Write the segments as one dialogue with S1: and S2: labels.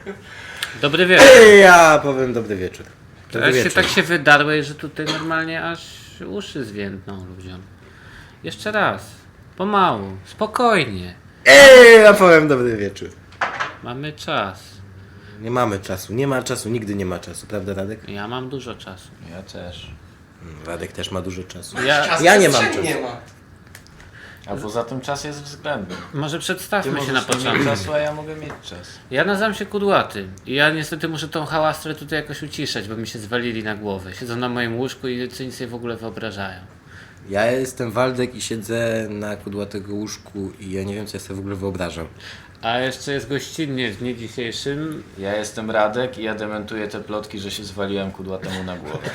S1: Dobry wieczór.
S2: Ja powiem dobry wieczór. Dobry wieczór.
S1: Tak się wydarłeś, że tutaj normalnie aż uszy zwiędną ludziom. Jeszcze raz. Pomału. Spokojnie.
S2: Ja powiem dobry wieczór.
S1: Mamy czas.
S2: Nie mamy czasu, nie ma czasu, nigdy nie ma czasu, prawda Radek?
S1: Ja mam dużo czasu.
S3: Ja też.
S2: Radek też ma dużo czasu.
S1: Ja
S2: nie mam czasu.
S4: Nie ma.
S3: A poza tym czas jest względny.
S1: Może
S3: Ty
S1: przedstawmy się
S3: możesz
S1: na
S3: nie mieć
S1: początku.
S3: czasu, a ja mogę mieć czas.
S1: Ja nazywam się Kudłaty i ja niestety muszę tą hałastrę tutaj jakoś uciszać, bo mi się zwalili na głowę. Siedzą na moim łóżku i co nic sobie w ogóle wyobrażają.
S2: Ja jestem Waldek i siedzę na kudłatego łóżku i ja nie wiem co ja sobie w ogóle wyobrażam.
S1: A jeszcze jest gościnnie w dniu dzisiejszym.
S3: Ja jestem Radek i ja dementuję te plotki, że się zwaliłem kudłatemu na głowę.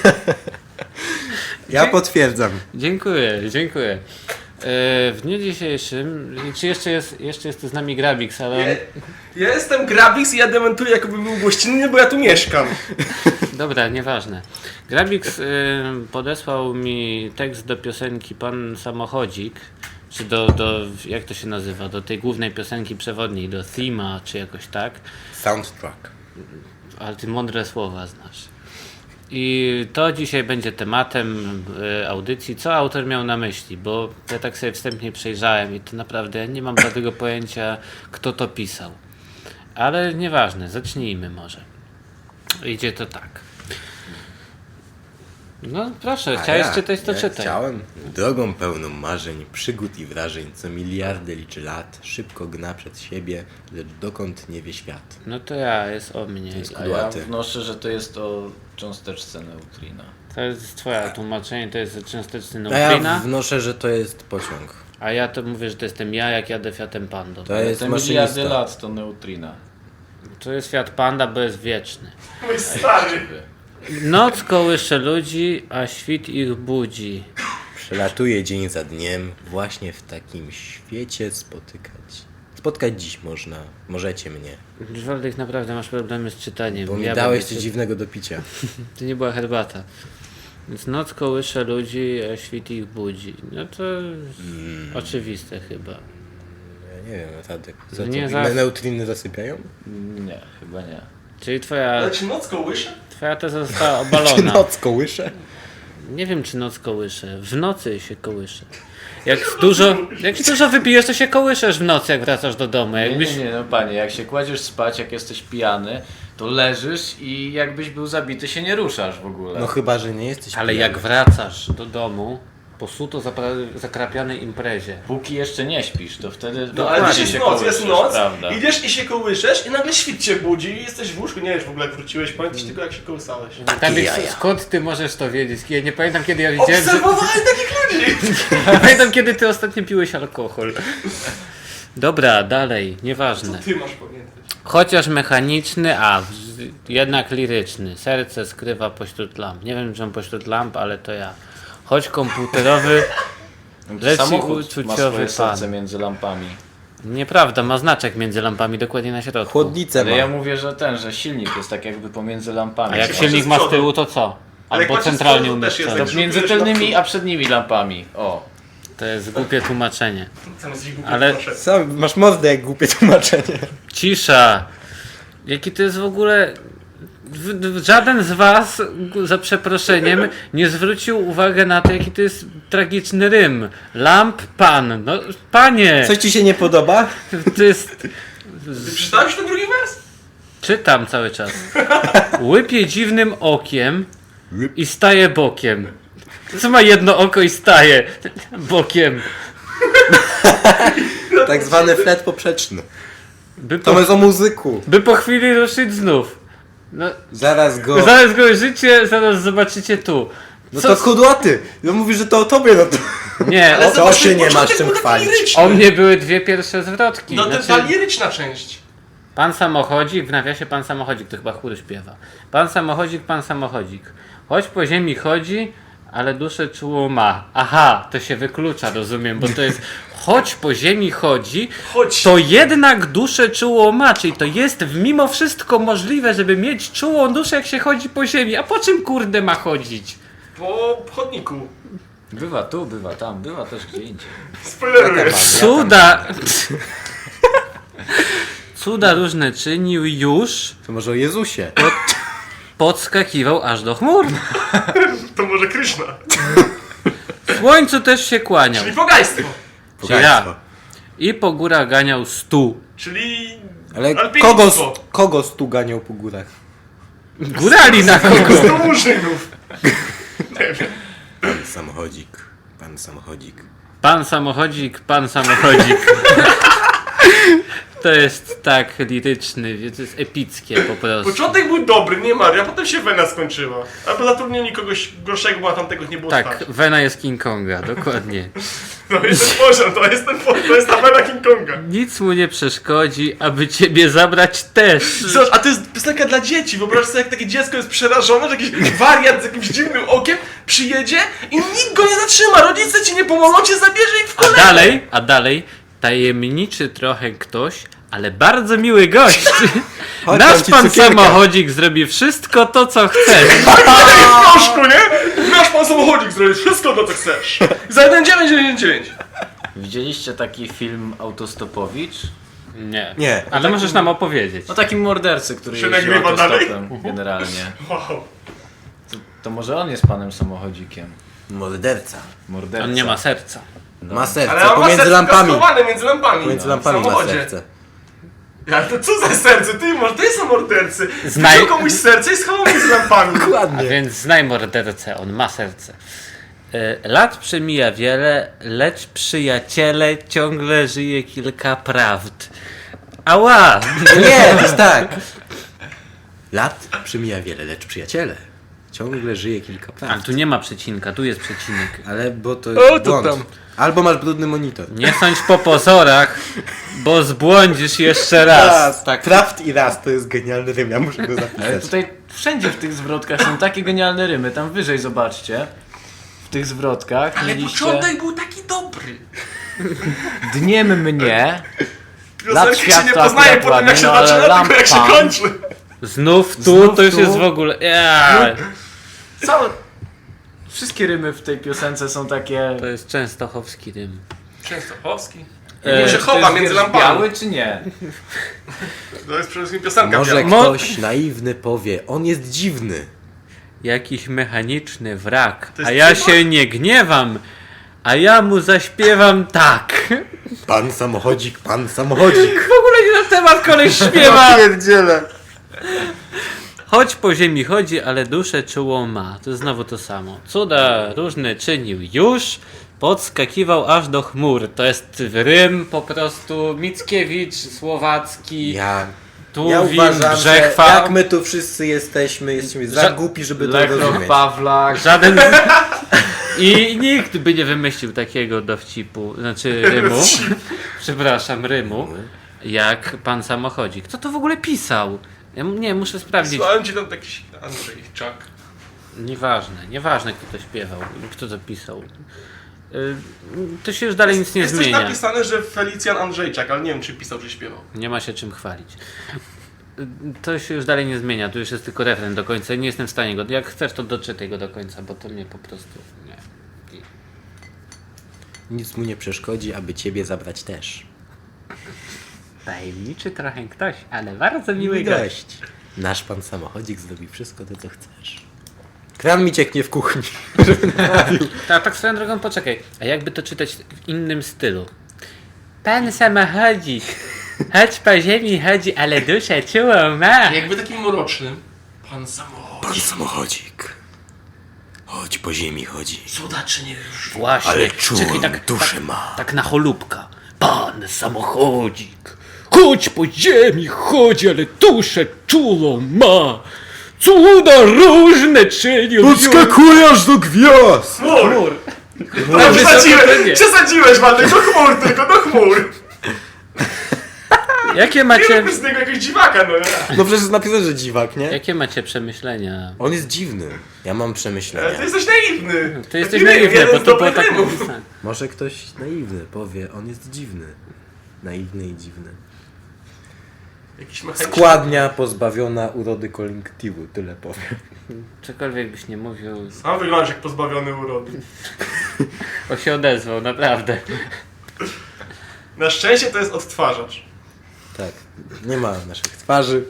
S2: Ja potwierdzam.
S1: Dziękuję. W dniu dzisiejszym, czy jeszcze jest z nami Grabix, ale
S4: Ja jestem Grabix i ja dementuję, jakbym był gościnny, bo ja tu mieszkam.
S1: dobra, nieważne. Grabix podesłał mi tekst do piosenki Pan Samochodzik, czy jak to się nazywa, do tej głównej piosenki przewodniej, do thema, czy jakoś tak.
S2: Soundtrack.
S1: Ale ty mądre słowa znasz. I to dzisiaj będzie tematem audycji, co autor miał na myśli, bo ja tak sobie wstępnie przejrzałem i to naprawdę ja nie mam żadnego pojęcia, kto to pisał. Ale nieważne, zacznijmy może. Idzie to tak. No proszę, chciałeś czytać, to czytaj.
S2: Chciałem. Drogą pełną marzeń, przygód i wrażeń, co miliardy liczy lat, szybko gna przed siebie, lecz dokąd nie wie świat.
S1: No to jest o mnie.
S2: jest
S3: A ja
S2: Kudłaty.
S3: wnoszę, że to jest o cząsteczce neutrina.
S1: To jest twoje tłumaczenie, to jest cząsteczny
S2: A ja
S1: neutrina,
S2: wnoszę, że to jest pociąg.
S1: a ja to mówię, że to jestem ja, jak jadę Fiatem Pando.
S2: To jest
S3: Te miliardy
S2: maszynista.
S3: lat to neutrina.
S1: To jest Fiat Panda, bo jest wieczny.
S4: Mój stary.
S1: Noc kołysze ludzi, a świt ich budzi.
S2: Przelatuje dzień za dniem, właśnie w takim świecie spotkać dziś możecie mnie,
S1: Waldek, naprawdę masz problemy z czytaniem.
S2: bo mi
S1: Ja
S2: dałeś
S1: będę
S2: coś
S1: czytał.
S2: dziwnego do picia.
S1: To nie była herbata. Więc noc kołysze ludzi, a świt ich budzi. No to oczywiste chyba.
S2: Ja nie wiem, Tadek, za
S1: Nie,
S2: co?
S1: zaraz-
S2: Neutriny zasypiają?
S3: Nie, chyba nie.
S1: Czyli twoja
S4: Ale ci noc kołysze?
S1: teza została
S2: Czy
S1: obalona.
S2: noc kołysze?
S1: Nie wiem, czy noc kołysze. W nocy się kołysze. Jak dużo wypijesz, to się kołyszesz w nocy, jak wracasz do domu. Jakbyś...
S3: Nie, no panie, jak się kładziesz spać, jak jesteś pijany, to leżysz i jakbyś był zabity, się nie ruszasz w ogóle.
S2: No chyba, że nie jesteś
S1: Ale
S2: pijany.
S1: jak wracasz do domu po suto zakrapianej imprezie.
S3: Póki jeszcze nie śpisz, to wtedy
S4: No ale
S3: dokładnie
S4: też jest noc, jest noc,
S3: prawda?
S4: idziesz i się kołyszesz i nagle świt cię budzi i jesteś w łóżku, nie wiesz w ogóle jak wróciłeś, pamiętasz tylko jak się kołysałeś.
S1: Tak,
S2: jaja.
S1: skąd ty możesz to wiedzieć? Ja nie pamiętam, kiedy ja widziałem, że...
S4: Obserwowałem takich ludzi!
S1: Pamiętam, kiedy ty ostatnio piłeś alkohol. Dobra, dalej, nieważne.
S4: Ty masz pamiętać.
S1: Chociaż mechaniczny, jednak liryczny. Serce skrywa pośród lamp. Nie wiem, czy on pośród lamp, ale to ja. Choć komputerowy, lecz i
S3: Samochód ma
S1: uczuciowy
S3: swoje serce
S1: pan.
S3: między lampami.
S1: Nieprawda, ma znaczek między lampami dokładnie na środku.
S2: Chłodnicę
S3: Ale
S2: ma.
S3: ja mówię, że silnik jest tak jakby pomiędzy lampami.
S1: A jak
S4: Patrz
S1: silnik
S4: z
S1: ma z
S4: przodu.
S1: tyłu, to co?
S4: Ale jak
S1: Albo
S4: patrz z
S1: centralnie
S4: przodu, też jest
S1: umieszczony.
S4: tak.
S3: Między tylnymi a przednimi lampami. O.
S1: To jest głupie tłumaczenie.
S4: Zamiast ich
S1: Ale-
S4: proszę.
S2: Sam masz mordę jak głupie tłumaczenie.
S1: Cisza! Jaki to jest w ogóle... Żaden z was, za przeproszeniem, nie zwrócił uwagi na to, jaki to jest tragiczny rym. Lamp pan. No, panie!
S2: Coś ci się nie podoba?
S1: To jest...
S4: Ty przeczytałeś ten drugi wers?
S1: Czytam cały czas. Łypie dziwnym okiem i staje bokiem. Co ma jedno oko i staje bokiem?
S2: Tak zwany flet poprzeczny.
S1: By
S2: To
S1: po,
S2: jest o muzyku.
S1: by po chwili ruszyć znów. No,
S2: Zaraz go...
S1: zaraz go życie, zaraz zobaczycie tu.
S2: No to kudłaty. No mówisz, że to o tobie, no to...
S1: Nie,
S4: Ale
S1: o,
S2: to się nie
S4: początek
S2: masz czym
S4: był taki
S2: chwalić.
S4: liryczny.
S1: o mnie były dwie pierwsze zwrotki.
S4: No to ta
S1: Znaczy,
S4: liryczna część.
S1: pan samochodzik, w nawiasie pan samochodzik, to chyba chóry śpiewa. Pan samochodzik. Choć po ziemi chodzi, ale duszę czuło ma. Aha, to się wyklucza, rozumiem, bo to jest choć po ziemi chodzi,
S4: Chodź.
S1: to jednak duszę czuło ma, czyli to jest mimo wszystko możliwe, żeby mieć czułą duszę, jak się chodzi po ziemi. A po czym kurde ma chodzić?
S4: Po chodniku.
S3: Bywa tu, bywa tam, bywa też gdzie indziej.
S4: Spoileruję.
S1: Cuda! cuda różne czynił już,
S2: To może o Jezusie.
S1: podskakiwał aż do chmur.
S4: To może Kryszna.
S1: Słońcu też się kłaniał.
S4: Czyli pogaństwo.
S2: Pogaństwo.
S1: I po górach ganiał stu.
S4: Czyli
S2: Ale
S4: alpinistwo.
S2: kogo stu ganiał po górach?
S1: Górali na kogo?
S4: 100 murzynów. Nie wiem.
S2: Pan samochodzik. Pan samochodzik.
S1: Pan samochodzik, pan samochodzik. To jest tak liryczny, to jest epickie po prostu.
S4: Początek był dobry, nie Maria, potem się Wena skończyła. Albo zatrudnieni kogoś gorszego, bo tamtego nie było
S1: Tak,
S4: stać.
S1: Wena jest King Konga, dokładnie.
S4: To jest ten poziom, to jest ta Wena King Konga.
S1: Nic mu nie przeszkodzi, aby ciebie zabrać też.
S4: Zobacz, a to jest piosenka dla dzieci. Wyobraź sobie, jak takie dziecko jest przerażone, że jakiś wariat z jakimś dziwnym okiem przyjedzie i nikt go nie zatrzyma. Rodzice ci nie pomogą, cię zabierze i w kolejne.
S1: A dalej, tajemniczy trochę ktoś, ale bardzo miły gość.
S2: Chodź,
S1: Nasz
S2: dam ci
S1: pan
S2: cukierka.
S1: samochodzik zrobi wszystko to, co chcesz.
S4: w proszku, nie? Nasz pan samochodzik zrobi wszystko to, co chcesz. Za 1,999.
S3: Widzieliście taki film Autostopowicz?
S1: Nie.
S2: Nie.
S1: Ale możesz nam opowiedzieć.
S3: O takim mordercy, który
S4: Się
S3: jeździł
S4: nagrywa dalej?
S3: autostopem generalnie.
S4: Wow.
S3: To może on jest panem samochodzikiem.
S2: Morderca.
S3: Morderca.
S1: On nie ma serca.
S2: Ma serce.
S4: Ale on ma
S2: Pomiędzy
S4: serce
S2: lampami.
S4: kaskowane między lampami.
S2: Pomiędzy
S4: W
S2: lampami ma
S4: samochodzie.
S2: serce.
S4: Ale to co za serce? Ty może to są mordercy.
S1: Znaj-
S4: Wziął komuś serce i schował między lampami.
S1: A
S2: Dokładnie.
S1: więc znaj mordercę, on ma serce. Lat przemija wiele, lecz przyjaciele ciągle żyje kilka prawd. Ała!
S2: Nie, to jest tak. Lat przemija wiele, lecz przyjaciele. Ciągle żyje kilka
S1: Ale
S2: prawd.
S1: tu nie ma przecinka, tu jest przecinek.
S2: Ale bo to
S4: O,
S2: jest
S4: to
S2: błąd.
S4: tam.
S2: Albo masz brudny monitor.
S1: Nie sądź po pozorach, bo zbłądzisz jeszcze raz.
S2: Tak. Prawd i raz to jest genialny rym, ja muszę go
S3: Ale
S2: zapisać.
S3: tutaj wszędzie w tych zwrotkach są takie genialne rymy. Tam wyżej zobaczcie. W tych zwrotkach
S4: Ale
S3: mieliście
S4: początek był taki dobry.
S3: dniem mnie.
S4: Piosenki się nie
S3: światła
S4: poznaje
S3: akurat
S4: po tym, jak się
S3: ładnie, no, ale
S4: zaczyna, tylko jak się
S3: lampa.
S4: kończy.
S1: Znów tu,
S3: Znów
S1: to już
S3: tu.
S1: jest w ogóle... Ja.
S3: Całe... Wszystkie rymy w tej piosence są takie...
S1: To jest częstochowski rym.
S4: Częstochowski.
S1: E,
S4: Nie się
S3: Czy to
S4: chowa
S3: jest
S4: między
S3: wiersz
S4: lampami.
S3: biały czy nie?
S4: To jest przede wszystkim piosenka
S2: Może
S4: biała.
S1: Mo-
S2: ktoś naiwny powie, on jest dziwny.
S1: Jakiś mechaniczny wrak,
S4: To jest
S1: a ja
S4: cyborg?
S1: się nie gniewam, a ja mu zaśpiewam tak.
S2: Pan samochodzik, pan samochodzik.
S1: W ogóle nie na temat koleś śpiewa.
S2: Pierdziele.
S1: Choć po ziemi chodzi, ale duszę czułą ma. To jest znowu to samo. Cuda różne czynił już, podskakiwał aż do chmur. To jest rym po prostu Mickiewicz, Słowacki,
S2: Ja
S1: Tuwim,
S2: uważam, że
S1: Brzechwa.
S2: jak my tu wszyscy jesteśmy za
S1: Ża-
S2: głupi, żeby to
S3: Lechroch,
S2: rozumieć.
S3: Pawlak.
S1: Żaden... I nikt by nie wymyślił takiego dowcipu, znaczy rymu, przepraszam, rymu, jak pan samochodzik. Kto to w ogóle pisał? Ja nie, muszę sprawdzić.
S4: Słuchałem ci tam jakiś Andrzejczak.
S1: Nieważne kto to śpiewał, kto to pisał. To się już dalej nic nie
S4: Jest coś
S1: zmienia.
S4: napisane, że Felicjan Andrzejczak, ale nie wiem czy pisał, czy śpiewał.
S1: Nie ma się czym chwalić. To się już dalej nie zmienia, tu już jest tylko refren do końca. Nie jestem w stanie go, jak chcesz to doczytaj go do końca, bo to mnie po prostu... Nie.
S2: Nic mu nie przeszkodzi, aby ciebie zabrać też.
S1: Tajemniczy trochę ktoś, ale bardzo miły gość.
S2: Nasz pan samochodzik zrobi wszystko to, co chcesz. Kran mi cieknie w kuchni.
S1: Tak swoją drogą, poczekaj. A jakby to czytać w innym stylu? Pan samochodzik, choć po ziemi chodzi, ale duszę czułą ma.
S4: Jakby takim mrocznym. Pan samochód.
S2: Pan samochodzik. Chodź po ziemi chodzi.
S4: Cuda czy nie już?
S1: Właśnie,
S2: Ale czułą
S1: czekaj,
S2: duszę ma.
S1: tak na cholubka. Pan samochodzik, choć po ziemi chodzi, ale duszę czułą ma. Cuda różne czynił.
S2: Podskakujesz do gwiazd!
S4: Chmur!
S1: Ale
S4: Przesadziłeś, Waldek, do chmur, tylko do chmur.
S1: Jakie
S4: Nie
S1: macie,
S4: rób z niego jakiegoś dziwaka, no nie?
S2: No przecież jest napisane, że dziwak, nie?
S1: jakie macie przemyślenia?
S2: On jest dziwny. Ja mam
S4: Ale
S2: przemyślenia.
S4: ty jesteś naiwny.
S1: To jesteś
S4: Taki rym,
S1: naiwny,
S4: jeden
S1: bo
S4: z
S1: to było
S4: dobrych
S1: tak
S4: rymów.
S1: napisane.
S2: Może ktoś naiwny powie, on jest dziwny. Naiwny i dziwny.
S4: Jakiś mechaniczny.
S2: Składnia pozbawiona urody kolektywu, tyle powiem.
S1: Cokolwiek byś nie mówił,
S4: Sam wyglądasz jak pozbawiony urody.
S1: on się odezwał, naprawdę.
S4: Na szczęście to jest odtwarzacz.
S2: Tak, nie ma naszych twarzy.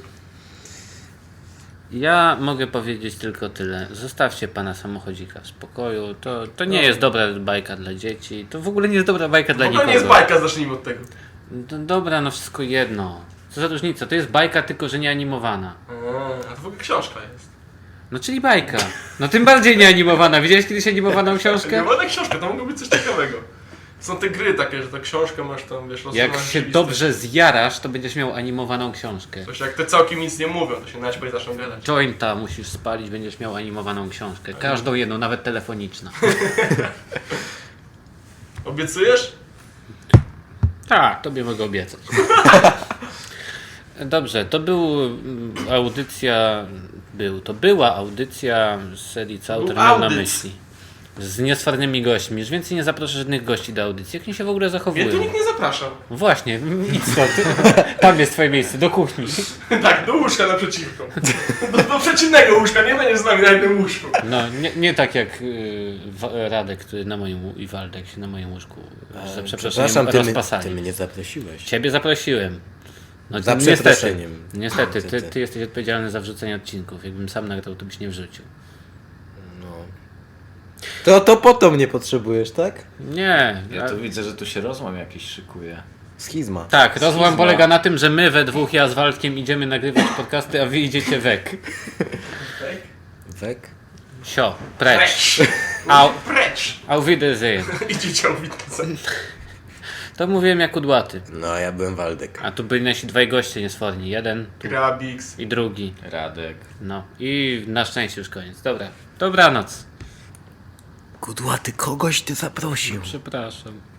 S1: Ja mogę powiedzieć tylko tyle. Zostawcie pana samochodzika w spokoju. To nie jest dobra bajka dla dzieci. To w ogóle nie jest dobra bajka dla
S4: To
S1: nikogo.
S4: nie jest bajka, zacznijmy od tego.
S1: Dobra, no wszystko jedno. Co za różnica? To jest bajka, tylko że nie animowana.
S4: A to w ogóle książka jest.
S1: No czyli bajka. No tym bardziej nie animowana. Widziałeś kiedyś animowaną książkę?
S4: Nie wolna książka, to mogło być coś ciekawego. Są te gry takie, że ta książka masz tam, wiesz,
S1: Jak
S4: rozsunąć
S1: się
S4: listę.
S1: dobrze zjarasz, to będziesz miał animowaną książkę.
S4: Coś jak te całkiem nic nie mówią, to się naćpać i zaczną gadać.
S1: Jointa musisz spalić, będziesz miał animowaną książkę. Każdą jedną, nawet telefoniczną.
S4: Obiecujesz?
S1: Tak, tobie mogę obiecać. Dobrze, to była audycja z serii Co autor miał na
S4: audyc.
S1: myśli. Z niesfornymi gośćmi. Już więcej nie zaproszę żadnych gości do audycji. Jak oni się w ogóle zachowują?
S4: Mnie tu nikt nie zaprasza.
S1: Właśnie, idź stąd. Tam jest twoje miejsce, do kuchni.
S4: Tak, do łóżka naprzeciwko. Do przeciwnego łóżka, nie będziesz z nami na jednym łóżku.
S1: No, nie tak jak Radek, który na moim i Waldek się na moim łóżku za przeproszeniem
S2: ty
S1: rozpasali.
S2: mnie zaprosiłeś.
S1: Ciebie zaprosiłem. No,
S2: Za
S1: niestety,
S2: przeproszeniem.
S1: niestety,
S2: Niestety.
S1: ty jesteś odpowiedzialny za wrzucenie odcinków. Jakbym sam nagrał, to byś nie wrzucił.
S2: To po to mnie potrzebujesz, tak?
S1: Nie.
S3: Ja tu widzę, że tu się rozłam jakiś szykuje.
S2: Schizma.
S1: Tak, rozłam
S3: Schizma.
S1: polega na tym, że my we dwóch, ja z Waldkiem idziemy nagrywać podcasty, a wy idziecie wek.
S2: Wek?
S1: Sio, precz.
S4: Precz!
S1: Au.
S4: Precz!
S1: Auf Wiedersehen.
S4: Idziecie o widzę.
S1: To mówiłem jak kudłaty.
S2: No, ja byłem Waldek.
S1: A tu byli nasi dwaj goście niesforni. Jeden
S4: Grabix.
S1: i drugi.
S3: Radek.
S1: No i na szczęście już koniec. Dobra. Dobranoc.
S2: Kudłaty, kogoś ty zaprosił.
S1: Przepraszam.